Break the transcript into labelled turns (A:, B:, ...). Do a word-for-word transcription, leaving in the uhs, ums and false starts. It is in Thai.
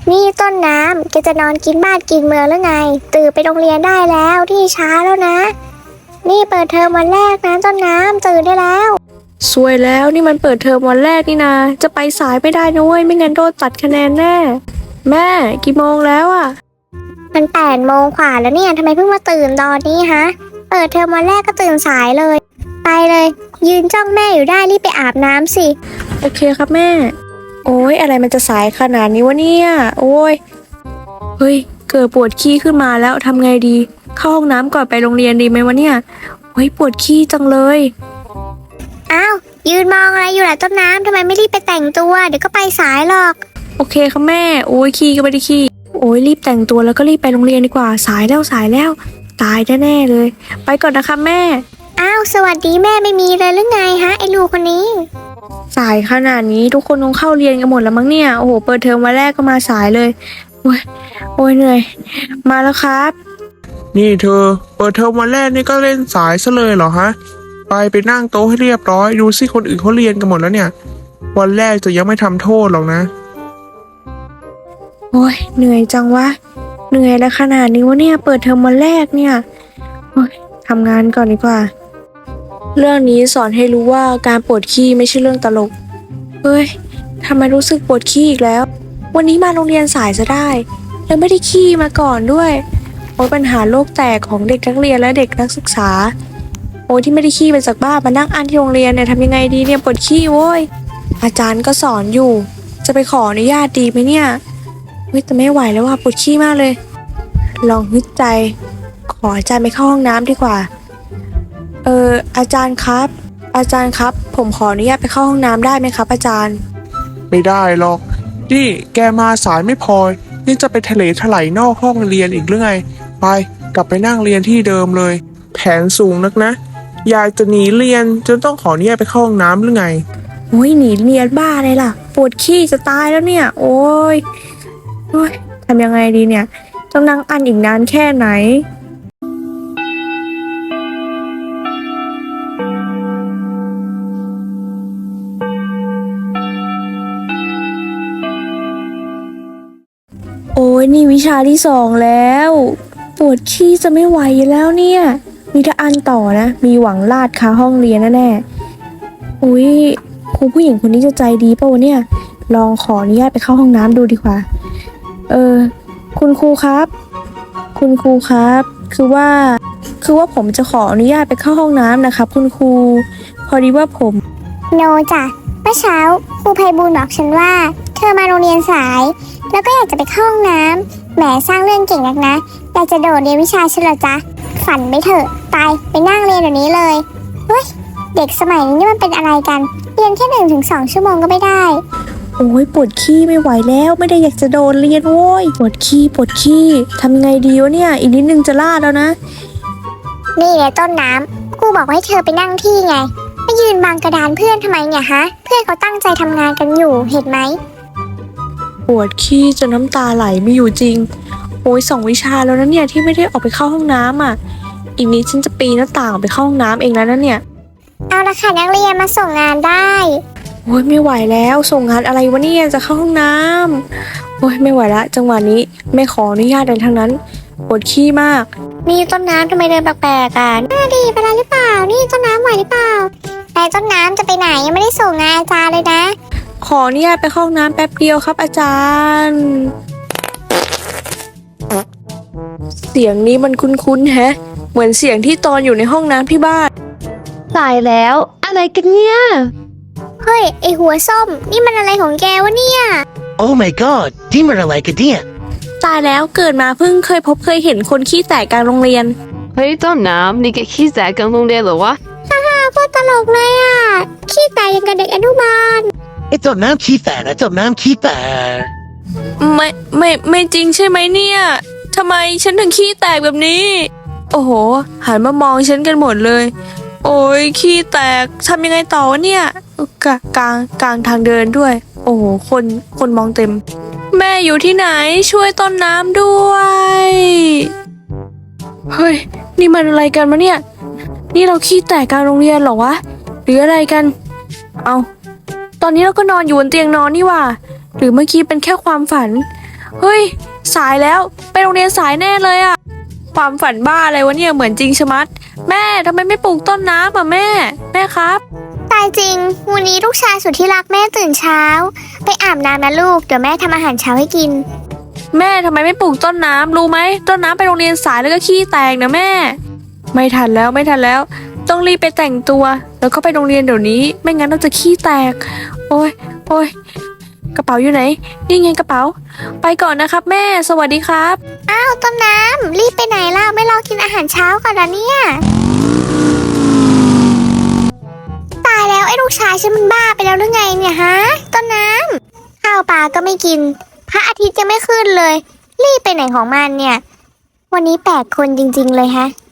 A: นี่ต้นน้ำแกจะนอนกินบ้านกินเมืองหรือไงตื่นไปโรงเรียนได้แล้วที่ช้าแล้วนะนี่เปิดเทอมวันแรกนะต้นน้ำตื่นได้แล้ว
B: สวยแล้วนี่มันเปิดเทอมวันแรกนี่นาจะไปสายไม่ได้นะเว้ยไม่งั้นโดนตัดคะแนนแน่แม่กี่โมงแล้วอ่ะ
A: มันแปดโมงกว่าแล้วเนี่ยทำไมเพิ่งมาตื่นตอนนี้ฮะเปิดเทอมวันแรกก็ตื่นสายเลยไปเลยยืนจ้องแม่อยู่ได้รีบไปอาบน้ำสิ
B: โอเคครับแม่โอ้ยอะไรมันจะสายขนาดนี้วะเนี่ยโอ้ยเฮ้ยเกิดปวดขี้ขึ้นมาแล้วทำไงดีเข้าห้องน้ำก่อนไปโรงเรียนดีไหมวะเนี่ยโอ้ยปวดขี้จังเลย
A: อ้าวยืนมองอะไรอยู่ล่ะต้นน้ำทำไมไม่รีบไปแต่งตัวเดี๋ยวก็ไปสายหรอก
B: โอเคครับแม่โอ้ยขี้ก็ไม่ได้ขี้โอ้ยรีบแต่งตัวแล้วก็รีบไปโรงเรียนดีกว่าสายแล้วสายแล้วตายแน่ๆเลยไปก่อนนะคะแม่
A: อ้าวสวัสดีแม่ไม่มีเลยหรือไงฮะไอ้ลูกคนนี้
B: สายขนาดนี้ทุกคนคงเข้าเรียนกันหมดแล้วมั้งเนี่ยโอ้โหเปิดเทอมวันแรกก็มาสายเลยโอ้ยโอ้ยเหนื่อยมาแล้วครับ
C: นี่เธอเปิดเทอมวันแรกนี่ก็เล่นสายซะเลยเหรอฮะไปไปนั่งโต๊ะให้เรียบร้อยดูสิคนอื่นเขาเรียนกันหมดแล้วเนี่ยวันแรกจะยังไม่ทำโทษหรอกนะ
B: โอ้ยเหนื่อยจังวะเหนื่อยแล้วขนาดนี้วะเนี่ยเปิดเทอมวันแรกเนี่ยโอ้ยทำงานก่อนดีกว่าเรื่องนี้สอนให้รู้ว่าการปวดขี้ไม่ใช่เรื่องตลกเฮ้ยทำไมรู้สึกปวดขี้อีกแล้ววันนี้มาโรงเรียนสายจะได้แล้วไม่ได้ขี้มาก่อนด้วยโอ้ยปัญหาโลกแตกของเด็กนักเรียนและเด็กนักศึกษาโอ้ยที่ไม่ได้ขี้มาจากบ้านมานั่งอ่านที่โรงเรียนเนี่ยทำยังไงดีเนี่ยปวดขี้โว้ยอาจารย์ก็สอนอยู่จะไปขออนุญาตดีไหมเนี่ยเฮ้ยแต่ไม่ไหวแล้วว่ะปวดขี้มากเลยลองฮึดใจขออาจารย์ไปเข้าห้องน้ำดีกว่าเอออาจารย์ครับอาจารย์ครับผมขออนุญาตไปเข้าห้องน้ำได้ไหมครับอาจารย์
C: ไม่ได้หรอกนี่แกมาสายไม่พอนี่จะไปทะเลถลายนอกห้องเรียนอีกหรือไงไปกลับไปนั่งเรียนที่เดิมเลยแผนสูงนักนะยายจะหนีเรียนจนต้องขออนุญาตไปเข้าห้องน้ำหรือไง
B: โอ้ยหนีเรียนบ้าเลยล่ะปวดขี้จะตายแล้วเนี่ยโอ้ยโอ้ยทำยังไงดีเนี่ยต้องนั่งอั้นอีกนานแค่ไหนโอ้ยนี่วิชาที่สองแล้วปวดขี้จะไม่ไหวแล้วเนี่ยมีถ้าอันต่อนะมีหวังลาดคาห้องเรียนแน่ๆอุ้ยครูผู้หญิงคนนี้จะใจดีป่าวเนี่ยลองขออนุญาตไปเข้าห้องน้ำดูดีกว่าเออคุณครูครับคุณครูครับคือว่าคือว่าผมจะขออนุญาตไปเข้าห้องน้ำนะครับคุณครูพอดีว่าผม
A: โนจ้ะเมื่อเช้าครูไพบูลย์บอกฉันว่าเธอมาโรงเรียนสายแล้วก็อยากจะไปเข้าห้องน้ำแหมสร้างเรื่องเก่งนักนะอยากจะโดดเรียนวิชาฉันเหรอจ๊ะฝันไปเถอะไปไปนั่งเรียนเดี๋ยวนี้เลยเฮ้ยเด็กสมัยนี้นี่มันเป็นอะไรกันเรียนแค่หนึ่งถึงสองชั่วโมงก็ไม่ได้
B: โอ้ยปวดขี้ไม่ไหวแล้วไม่ได้อยากจะโดนเรียนโว้ยปวดขี้ปวดขี้ทำไงดีวะเนี่ยอีกนิดนึงจะลาดแล้วนะ
A: นี่แหละต้นน้ำครูบอกให้เธอไปนั่งที่ไงไม่ยืนบังกระดานเพื่อนทำไมเนี่ยฮะเพื่อนเขาตั้งใจทำงานกันอยู่เห็นไหม
B: ปวดขี้จนน้ำตาไหลไม่อยู่จริงโอ้ยสองวิชาแล้วนะเนี่ยที่ไม่ได้ออกไปเข้าห้องน้ำอ่ะอีกนิดฉันจะปีนหน้าต่างออกไปเข้าห้องน้ำเองแล้วนะเนี่ย
A: เอาละค่ะนักเรียนมาส่งงานได้
B: โอ้ยไม่ไหวแล้วส่งงานอะไรวะเนี่ยจะเข้าห้องน้ำโอ้ยไม่ไหวละจังหวะนี้ไม่ขออนุญาตเลยทั้งนั้นปวดขี้มาก
A: นี่ต้นน้ำทำไมเดินแปลกๆอ่ะน่าดีไปแล้วหรือเปล่านี่ต้นน้ำไหวหรือเปล่าแต่ต้นน้ำจะไปไหนยังไม่ได้ส่งงานอาจารย์เลยนะ
B: ขออนุญาตไปเข้าห้องน้ำแป๊บเดียวครับอาจารย์เสียงนี้มันคุ้นๆแฮะเหมือนเสียงที่ตอนอยู่ในห้องน้ำที่บ้าน
D: สายแล้วอะไรกันเนี่ย
A: เฮ้ยไอหัวส้มนี่มันอะไรของแกวะเนี่ย
E: Oh my god ที่มันอะไรกันเนี่ย
B: ตายแล้วเกิดมาเพิ่งเคยพบเคยเห็นคนขี้แตกกลางโรงเรียน
D: เฮ้ยต้นน้ำนี่แกขี้แตกกลางโรงเรียนเหรอวะ
A: ฮ่าฮ่าโคตรตลกเลยอ่ะขี้แตกยังกับเด็กอนุบาล
E: ไอ้ต้นน้ำขี้แตกนะต้นน้ำขี้แตก
B: ไม่ไม่ไม่จริงใช่ไหมเนี่ยทำไมฉันถึงขี้แตกแบบนี้โอ้โหหันมามองฉันกันหมดเลยโอ้ยขี้แตกทำยังไงต่อวะเนี่ยกลางกลางกลางทางเดินด้วยโอ้โหคนคนมองเต็มแม่อยู่ที่ไหนช่วยต้นน้ำด้วยเฮ้ยนี่มันอะไรกันวะเนี่ยนี่เราขี้แตกกลางโรงเรียนเหรอวะหรืออะไรกันเอาตอนนี้เราก็นอนอยู่บนเตียงนอนนี่หว่าหรือเมื่อกี้เป็นแค่ความฝันเฮ้ยสายแล้วไปโรงเรียนสายแน่เลยอะความฝันบ้าอะไรวะเนี่ยเหมือนจริงชะมัดแม่ทำไมไม่ปลูกต้นน้ำอ่ะแม่แม่ครับ
A: ตายจริง วันนี้ลูกชายสุดที่รักแม่ตื่นเช้า ไปอาบน้ำนะลูก เดี๋ยวแม่ทำอาหารเช้าให้กิน
B: แม่ทำไมไม่ปลูกต้นน้ำรู้ไหมต้นน้ำไปโรงเรียนสายแล้วก็ขี้แตกนะแม่ ไม่ทันแล้วไม่ทันแล้ว ต้องรีบไปแต่งตัว แล้วก็ไปโรงเรียนเดี๋ยวนี้ไม่งั้นเราจะขี้แตก โอ้ยโอ้ยกระเป๋าอยู่ไหนนี่ไงกระเป๋า ไปก่อนนะครับแม่สวัสดีครับ
A: อ้าวต้นน้ำรีบไปไหนล่ะไม่รอกินอาหารเช้าก่อนนะเนี่ยตายแล้วไอ้ลูกชายฉันมันบ้าไปแล้วหรือไงเนี่ยฮะต้นน้ำข้าวปลาก็ไม่กินพระอาทิตย์ยังไม่ขึ้นเลย รีบไปไหนของมันเนี่ย วันนี้แปลกคนจริงๆเลยฮะ